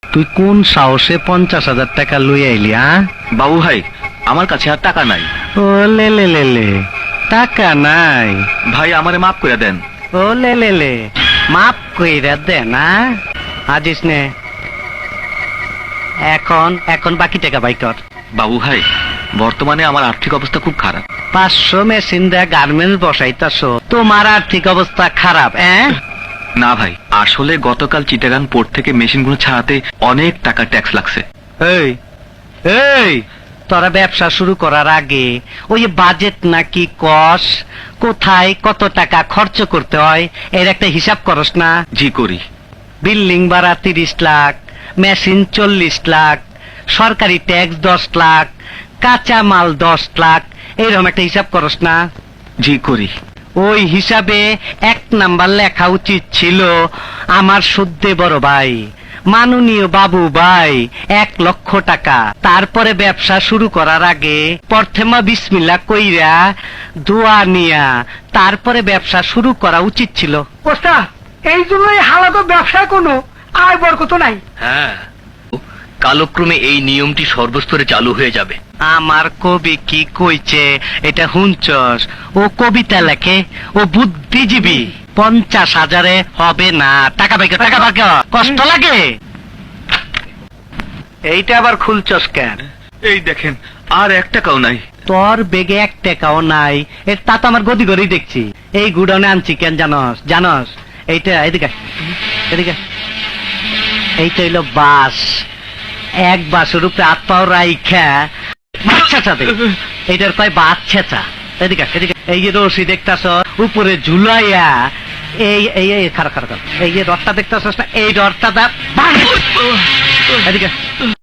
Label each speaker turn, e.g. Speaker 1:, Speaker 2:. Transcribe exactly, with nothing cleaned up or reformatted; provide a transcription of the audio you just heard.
Speaker 1: তুই কোন সাহসে পঞ্চাশ হাজার টাকা লই আইলি? হ্যাঁ
Speaker 2: বাবু ভাই, আমার কাছে আর টাকা নাই।
Speaker 1: ও লে লে লে লে, টাকা নাই?
Speaker 2: ভাই আমারে মাফ করে দেন।
Speaker 1: ও লে লে লে, মাপ কইরা দে না। আজিস নে, এখন এখন বাকি টাকা বাই কর।
Speaker 2: বাবু ভাই, বর্তমানে আমার আর্থিক অবস্থা খুব খারাপ।
Speaker 1: পাঁচশো মেশিন দেয়া গার্মেন্টস বসাইতাছ, তোমার আর্থিক অবস্থা খারাপ? হ্যাঁ
Speaker 2: না ভাই, আসলে গতকাল চিটাগাং পোর্ট থেকে মেশিনগুলো ছাড়াতে অনেক টাকা ট্যাক্স লাগছে।
Speaker 1: এই এই, তোরা ব্যবসা শুরু করার আগে ওই বাজেট নাকি কস, কোথায় কত টাকা খরচ করতে হয় এর একটা হিসাব করস না?
Speaker 2: জি করি।
Speaker 1: বিল্ডিং ভাড়া তিরিশ লাখ, মেশিন চল্লিশ লাখ, সরকারি ট্যাক্স দশ লাখ, কাঁচা মাল দশ লাখ, এরকম একটা হিসাব করস না?
Speaker 2: জি করি।
Speaker 1: ওই হিসাবে এক নাম্বার লেখা উচিত ছিল আমার শুদ্ধে বড় ভাই, মাননীয় বাবু ভাই, এক লক্ষ টাকা। তারপরে ব্যবসা শুরু করার আগে প্রথমা বিসমিল্লা কইরা দোয়া নিয়া তারপরে ব্যবসা শুরু করা উচিত ছিল।
Speaker 3: ওস্তাদ, এই জন্যই হালাত ব্যবসায় কোনো আয় বরকত নাই।
Speaker 4: হ্যাঁ, কালক্রমে এই নিয়মটি সর্বস্তরে চালু হয়ে যাবে।
Speaker 1: আমার কবি কি কইছে এটা হুঁচস? ও কবিতা লেখে, ও বুদ্ধিজীবী। পঞ্চাশ হাজারে হবে না। টাকা পাইকে টাকা পাইকে কষ্ট লাগে। এইটা আবার খুলছস কেন?
Speaker 2: এই দেখেন, আর এক টাকাও নাই।
Speaker 1: তোর বেগে এক টাকাও নাই, এর তা তো আমার গদি গড়েই দেখছি। এই গুডাউনে আনছি কেন জানস? জানস এইটা, এদিকে এদিকে, এইটা হইলো বাস। এক বাসের উপরে হাত পাও রাইখা মাছা দে, এইটার কয় বাস ছেঁচা। এদিকে এদিকে, এই যে রশি দেখতাছ উপরে ঝুলাইয়া, এই এই এই খারাপ খারাপ, এই যে রডটা দেখতাছ না, এই রডটা দা এদিকে